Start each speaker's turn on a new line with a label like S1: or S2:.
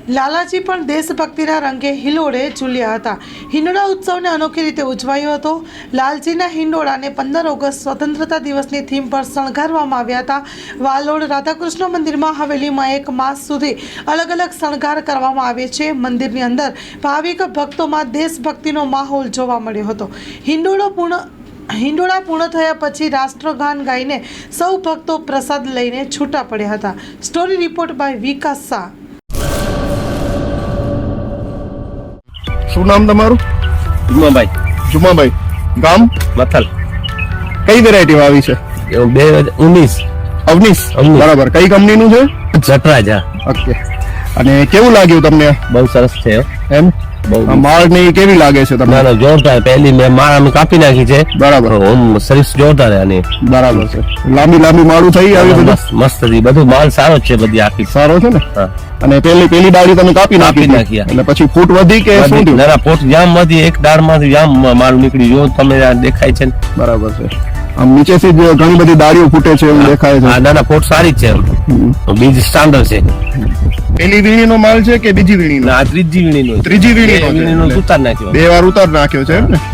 S1: લાલાજી પણ દેશભક્તિના રંગે હિંડોળે ઝૂલ્યા હતા. હિંડોળા ઉત્સવને અનોખી રીતે ઉજવાયો હતો. લાલજીના હિંડોળાને 15 ઓગસ્ટ સ્વતંત્રતા દિવસની થીમ પર શણગારવામાં આવ્યા હતા. વાલોડ રાધાકૃષ્ણ મંદિરમાં હવેલીમાં 1 માસ સુધી અલગ અલગ શણગાર કરવામાં આવે છે. મંદિરની અંદર ભાવિક ભક્તોમાં દેશભક્તિનો માહોલ જોવા મળ્યો હતો. હિંડોળા પૂર્ણ થયા પછી રાષ્ટ્રગાન ગાઈને સૌ ભક્તો પ્રસાદ લઈને છૂટા પડ્યા હતા. Story report by Vikas Shah.
S2: શું નામ તમારું? જુમાભાઈ. ગામ
S3: મથલ.
S2: કઈ વેરાયટી આવી છે?
S3: 2019
S2: અવનીશ. બરાબર. કઈ કંપનીનું છે?
S3: જટરાજ.
S2: ઓકે. અને કેવું લાગ્યું તમને?
S3: બહુ સરસ છે
S2: એમ માળ ની કેવી લાગે છે તમને?
S3: ના જોરદાર. પહેલી મેં માળ અમે કાપી નાખી છે.
S2: બરાબર.
S3: સર્વિસ જોરદાર આની.
S2: બરાબર છે. લાંબી માળું થઈ આવી બધું
S3: મસ્ત હતી. બધું માલ સારો છે. બધી આખી
S2: સારો છે ને?
S3: હા.
S2: અને પેલી ડાળી તમે કાપી નાખી એટલે પછી ફૂટ વધી કે શું થયું?
S3: ના ફૂટ જામ વધી. એક ડાળ માંથી જામ માલ નીકળી. જો તમે દેખાય છે.
S2: બરાબર છે. આમ નીચેથી જ ઘણી બધી ડાળીઓ ફૂટે છે એવું દેખાય છે.
S3: ના ફૂટ સારી જ છે. બીજ સ્ટાન્ડર્ડ છે.
S2: પેલી વીણીનો માલ છે કે બીજી વીણીનો?
S3: ત્રીજી વીણીનો.
S2: ત્રીજી વીણીનો
S3: ઉતાર નાખ્યો.
S2: 2 વાર ઉતાર નાખ્યો છે એમ ને?